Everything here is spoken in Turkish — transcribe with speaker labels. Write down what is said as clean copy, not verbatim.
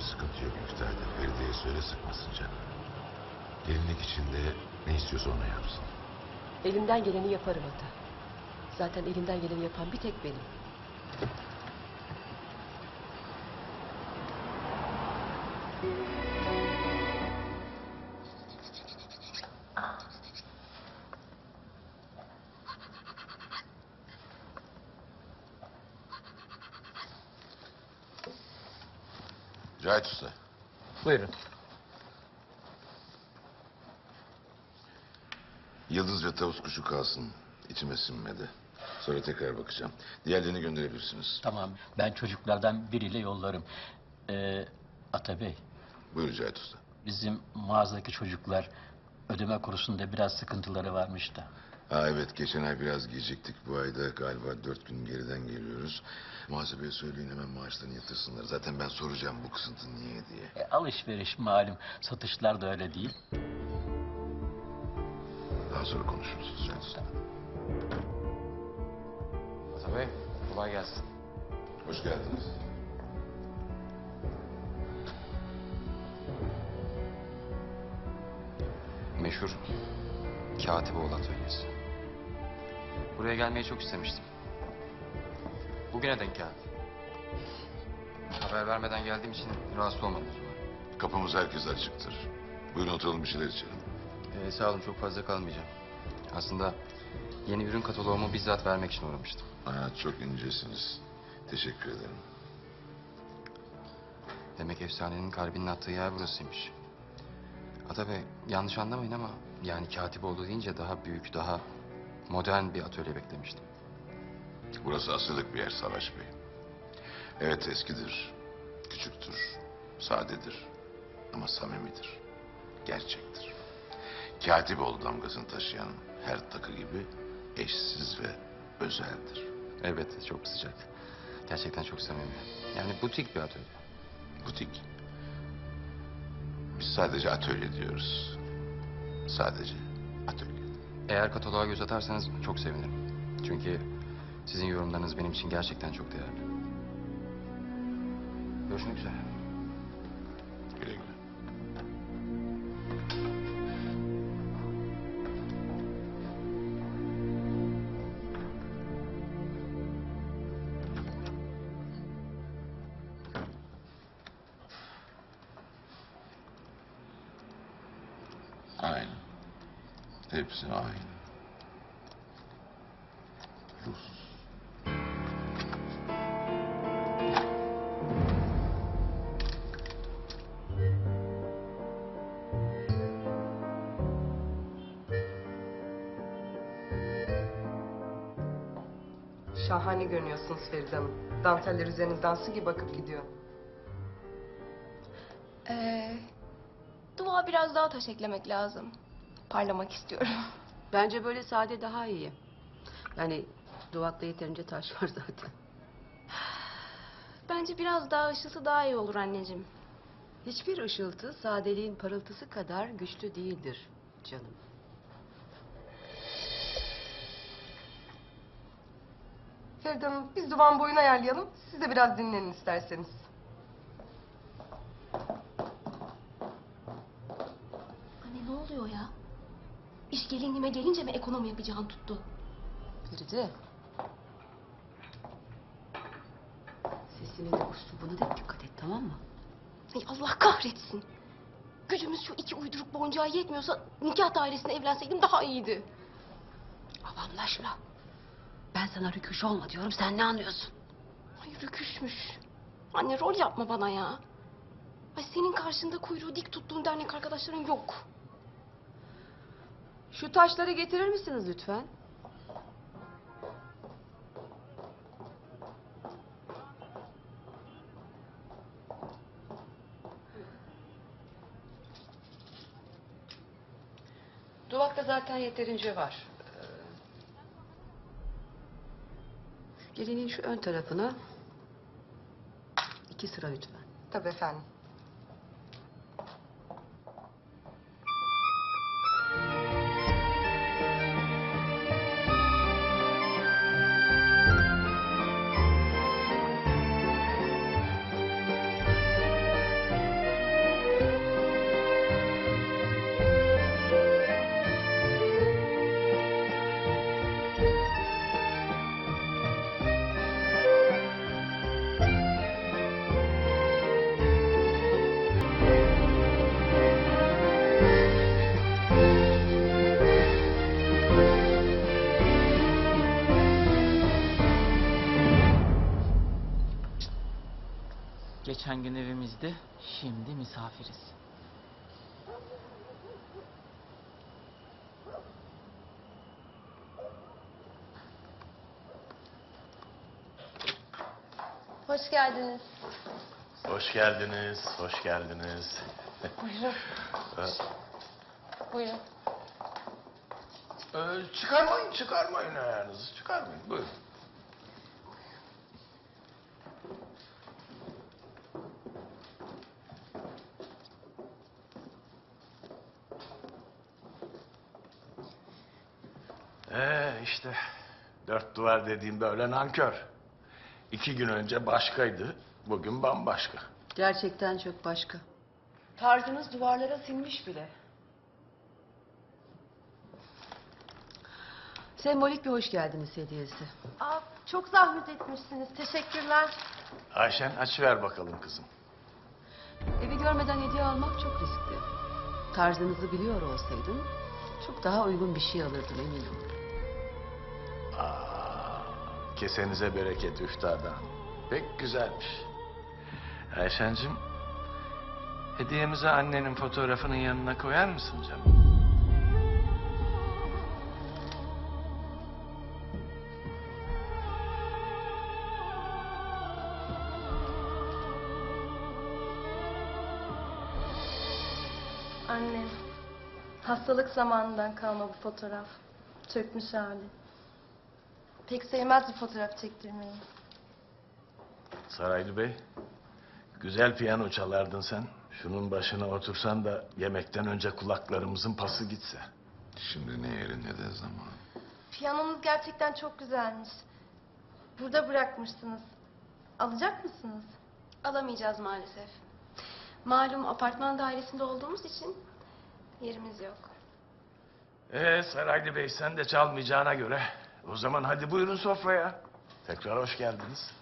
Speaker 1: bir sıkıntı yok Müftade. Feride'ye söyle sıkmasın canım. Gelinlik içinde ne istiyorsa onu yapsın.
Speaker 2: Elimden geleni yaparım ata. Zaten elimden geleni yapan bir tek benim.
Speaker 1: Cahit Usta.
Speaker 3: Buyurun.
Speaker 1: Yıldızca tavus kuşu kalsın. İçime sinmedi. Sonra tekrar bakacağım. Diğerlerini gönderebilirsiniz.
Speaker 3: Tamam, ben çocuklardan biriyle yollarım. Atabey,
Speaker 1: Buyur Cahit Usta.
Speaker 3: bizim mağazadaki çocuklar ödeme konusunda biraz sıkıntıları varmış da.
Speaker 1: Ha evet, geçen ay biraz geciktik. Bu ayda galiba 4 gün geriden geliyoruz. Muhasebeye söyleyin hemen maaşlarını yatırsınlar. Zaten ben soracağım bu kısıntı niye diye.
Speaker 3: Alışveriş malum, satışlar da öyle değil.
Speaker 1: Daha sonra konuşuruz Cahit Usta.
Speaker 4: Tabii, kolay gelsin.
Speaker 1: Hoş geldiniz.
Speaker 4: Meşhur Katipoğlu Atölyesi. Buraya gelmeyi çok istemiştim. Bugüne denk geldi. Haber vermeden geldiğim için rahatsız olmadınız umarım.
Speaker 1: Kapımız herkese açıktır. Buyurun oturalım bir şeyler içelim.
Speaker 4: Sağ olun, çok fazla kalmayacağım. Aslında yeni ürün kataloğumu bizzat vermek için uğramıştım.
Speaker 1: Ha, çok incesiniz. Teşekkür ederim.
Speaker 4: Demek efsanenin kalbinin attığı yer burasıymış. Atabey, yanlış anlamayın ama yani Katipoğlu deyince daha büyük, daha modern bir atölye beklemiştim.
Speaker 1: Burası asırlık bir yer Savaş Bey. Evet eskidir, küçüktür, sadedir ama samimidir, gerçektir. Katipoğlu damgasını taşıyan her takı gibi eşsiz ve özeldir.
Speaker 4: Evet, çok sıcak. Gerçekten çok samimi. Yani butik bir atölye.
Speaker 1: Butik. Biz sadece atölye diyoruz. Sadece atölye.
Speaker 4: Eğer kataloğa göz atarsanız çok sevinirim. Çünkü sizin yorumlarınız benim için gerçekten çok değerli. Görüşmek üzere.
Speaker 1: Güle güle. Aynı. Hepsi aynı. Rus.
Speaker 5: Şahane görünüyorsunuz Feride Hanım. Danteller üzerinizden su gibi akıp gidiyor.
Speaker 6: Duvara biraz daha taş eklemek lazım. Parlamak istiyorum.
Speaker 2: Bence böyle sade daha iyi. Yani duvakta yeterince taş var zaten.
Speaker 6: Bence biraz daha ışıltı daha iyi olur anneciğim.
Speaker 2: Hiçbir ışıltı sadeliğin parıltısı kadar güçlü değildir canım.
Speaker 5: Feride Hanım biz duvan boyunu ayarlayalım. Siz de biraz dinlenin isterseniz.
Speaker 6: Anne ne oluyor ya? İş gelinliğime gelince mi ekonomi yapacağım tuttu?
Speaker 2: Feride. Sesine de üslubuna da dikkat et, tamam mı?
Speaker 6: Ay Allah kahretsin. Gücümüz şu iki uyduruk boncuğa yetmiyorsa nikah dairesinde evlenseydim daha iyiydi.
Speaker 2: Avamlaşma. Ben sana rüküş olma diyorum, sen ne anlıyorsun?
Speaker 6: Ay rüküşmüş. Anne rol yapma bana ya. Ay senin karşında kuyruğu dik tuttuğun dernek arkadaşların yok.
Speaker 2: Şu taşları getirir misiniz lütfen? Duvakta zaten yeterince var. Gelinin şu ön tarafına 2 sıra lütfen.
Speaker 5: Tabii efendim.
Speaker 7: geçen gün evimizdi. Şimdi misafiriz.
Speaker 6: Hoş geldiniz.
Speaker 8: Hoş geldiniz, hoş geldiniz.
Speaker 6: Buyurun. Buyurun.
Speaker 8: Çıkarmayın ayağınızı, çıkarmayın. Buyurun. İşte dört duvar dediğim böyle nankör. 2 gün önce başkaydı, bugün bambaşka.
Speaker 2: Gerçekten çok başka.
Speaker 5: Tarzınız duvarlara sinmiş bile.
Speaker 2: Sembolik bir hoş geldiniz hediyesi.
Speaker 6: Aa, çok zahmet etmişsiniz. Teşekkürler.
Speaker 8: Ayşen açıver bakalım kızım.
Speaker 2: Evi görmeden hediye almak çok riskli. Tarzınızı biliyor olsaydım çok daha uygun bir şey alırdım eminim.
Speaker 8: Kesenize bereket üftada. Pek güzelmiş. Ayşen'cim, hediyemizi annenin fotoğrafının yanına koyar mısın canım?
Speaker 6: Annem. Hastalık zamanından kalma bu fotoğraf. Çökmüş hali. Pek sevmezdi fotoğraf çektirmeyi.
Speaker 8: Saraylı Bey, güzel piyano çalardın sen. Şunun başına otursan da yemekten önce kulaklarımızın pası gitse.
Speaker 1: Şimdi ne yeri ne de zaman.
Speaker 6: Piyanonuz gerçekten çok güzelmiş. Burada bırakmışsınız. Alacak mısınız? Alamayacağız maalesef. Malum apartman dairesinde olduğumuz için yerimiz yok.
Speaker 8: Saraylı Bey sen de çalmayacağına göre o zaman hadi buyurun sofraya. Tekrar hoş geldiniz.